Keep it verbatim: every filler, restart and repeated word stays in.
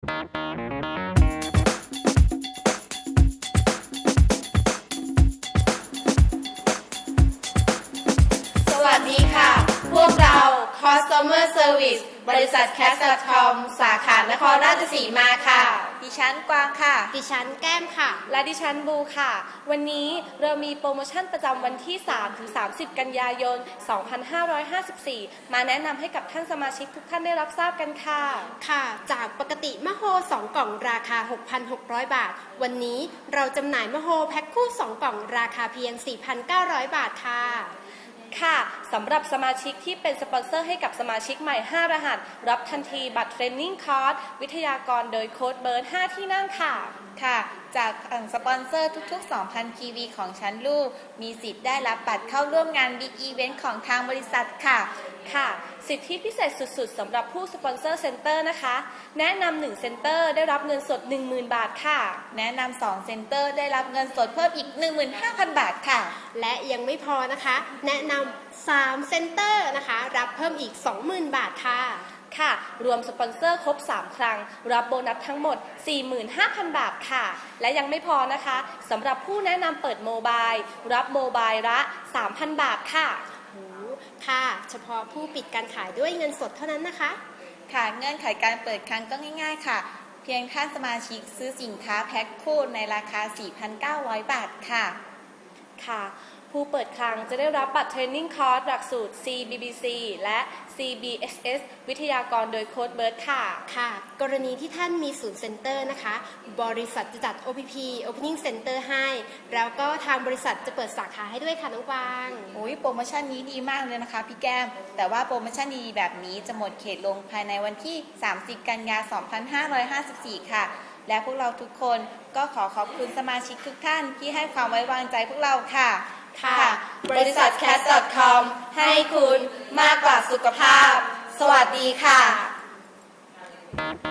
สวัสดีค่ะพวกเรา Customer Service บริษัท แคส ดอท คอม สาขานครราชสีมาค่ะดิฉันกวางค่ะดิฉันแก้มค่ะและดิฉันบูค่ะวันนี้เรามีโปรโมชั่นประจำวันที่ สามถึงสามสิบ กันยายน สองพันห้าร้อยห้าสิบสี่ มาแนะนำให้กับท่านสมาชิกทุกท่านได้รับทราบกันค่ะค่ะจากปกติมะโฮสองกล่องราคา หกพันหกร้อย บาทวันนี้เราจำหน่ายมะโฮแพ็คคู่สองกล่องราคาเพียง สี่พันเก้าร้อย บาทค่ะค่ะสำหรับสมาชิกที่เป็นสปอนเซอร์ให้กับสมาชิกใหม่ห้ารหัสรับทันทีบัตรเทรนนิ่งคอร์สวิทยากรโดยโค้ดเบิร์ดห้าที่นั่งค่ะค่ะจากสปอนเซอร์ทุกๆ สองพัน พี วี ของชั้นลูกมีสิทธิ์ได้รับบัตรเข้าร่วมงาน Big Event ของทางบริษัทค่ะค่ะสิทธิพิเศษสุดๆสำหรับผู้สปอนเซอร์เซ็นเตอร์นะคะแนะนำหนึ่งเซ็นเตอร์ได้รับเงินสด หนึ่งหมื่น บาทค่ะแนะนำสองเซ็นเตอร์ได้รับเงินสดเพิ่มอีก หนึ่งหมื่นห้าพัน บาทค่ะและยังไม่พอนะคะแนะนำสามเซ็นเตอร์นะคะรับเพิ่มอีก สองหมื่น บาทค่ะค่ะรวมสปอนเซอร์ครบสามครั้งรับโบนัสทั้งหมด สี่หมื่นห้าพัน บาทค่ะและยังไม่พอนะคะสำหรับผู้แนะนำเปิดโมบายรับโมบายละ สามพัน บาทค่ะค่ะเฉพาะผู้ปิดการขายด้วยเงินสดเท่านั้นนะคะค่ะเงื่อนไขการเปิดครั้งก็ง่ายๆค่ะเพียงท่านสมาชิกซื้อสินค้าแพ็คคู่ในราคา สี่พันเก้าร้อย บาทค่ะค่ะผู้เปิดคลังจะได้รับบัตรเทรนนิ่งคอร์สหลักสูตร ซี บี บี ซี และ ซี บี เอส เอส วิทยากรโดยโค้ดเบิร์ดค่ะค่ะกรณีที่ท่านมีศูนย์เซ็นเตอร์นะคะบริษัทจะจัด โอ พี พี Opening Center ให้แล้วก็ทางบริษัทจะเปิดสาขาให้ด้วยค่ะน้องกวางโอ้ยโปรโมชั่นนี้ดีมากเลยนะคะพี่แก้มแต่ว่าโปรโมชั่นดีแบบนี้จะหมดเขตลงภายในวันที่ สามสิบ กันยายน สองพันห้าร้อยห้าสิบสี่ ค่ะและพวกเราทุกคนก็ขอขอบคุณสมาชิกทุกท่านที่ให้ความไว้วางใจพวกเราค่ะค่ะบริษัท แคส ดอท คอม ให้คุณมากกว่าสุขภาพสวัสดีค่ะ